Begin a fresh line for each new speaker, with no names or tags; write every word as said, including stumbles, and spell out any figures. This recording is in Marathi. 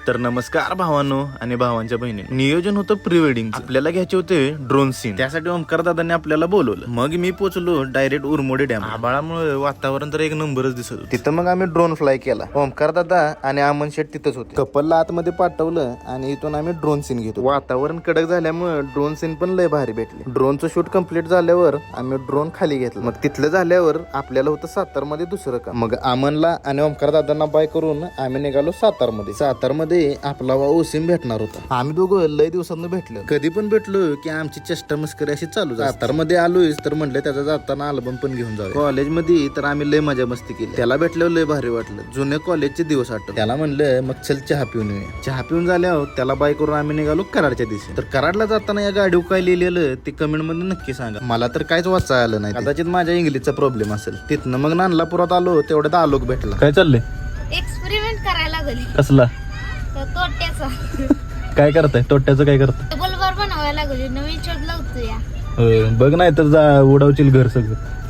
तर नमस्कार भावांनो आणि भावांच्या बहिणींनो. नियोजन होतं प्री वेडिंग, आपल्याला घ्यायचे होते ड्रोन सीन. त्यासाठी ओमकार दादांनी आपल्याला बोलवलं. मग मी पोहोचलो डायरेक्ट उरमोडी डॅम. आबाळामुळे वातावरण तर एक नंबरच दिसत होतं. तिथं मग आम्ही ड्रोन फ्लाय केला. ओमकार दादा आणि अमन शेट तिथंच होते. कपलला आतमध्ये पाठवलं आणि इथून आम्ही ड्रोन सीन घेतो. वातावरण कडक झाल्यामुळे ड्रोन सीन पण लय भारी भेटले. ड्रोनचं शूट कम्प्लीट झाल्यावर आम्ही ड्रोन खाली घेतलं. मग तिथलं झाल्यावर आपल्याला होतं सातार मध्ये दुसरं काम. मग अमनला आणि ओमकार दादांना बाय करून आम्ही निघालो सातार मध्ये. सातार मध्ये आपला वा ओसिम भेटणार होता. आम्ही दोघं लय दिवसांनी भेटलो. कधी पण भेटलो की आमची चेष्टा मस्करी अशी चालू. सातार मध्ये आलोय तर म्हणलं त्याचा जाताना अल्बम पण घेऊन जाऊ. कॉलेज मध्ये तर आम्ही लय मजा मस्ती केली. त्याला भेटल्यावर लय भारी वाटलं. जुने कॉलेजचे दिवस आठवले. त्याला म्हणलं मग चल चहा पिऊन येऊया. चहा पिऊन झाल्यावर त्याला बाय करून आम्ही निघालो कराडच्या दिवशी. तर कराडला जाताना या गाडीवर काय लिहिलेलं ते कमेंट मध्ये नक्की सांगा. मला तर काहीच वाचा आलं नाही. कदाचित माझ्या इंग्लिशचा प्रॉब्लेम असेल. तिथनं मग नानलापुरात आलो तेवढ्यात आलोक भेटला.
काय चाललंय?
एक्सपेरिमेंट करायला लागली.
कसला?
तोट्याचा.
काय करताय? तोट्याचं काय करताय?
बल्बर बनवायला लागली. नवीन शोध लावतो या.
होय, बघ नाही तर जा उडवशील घर सगळं.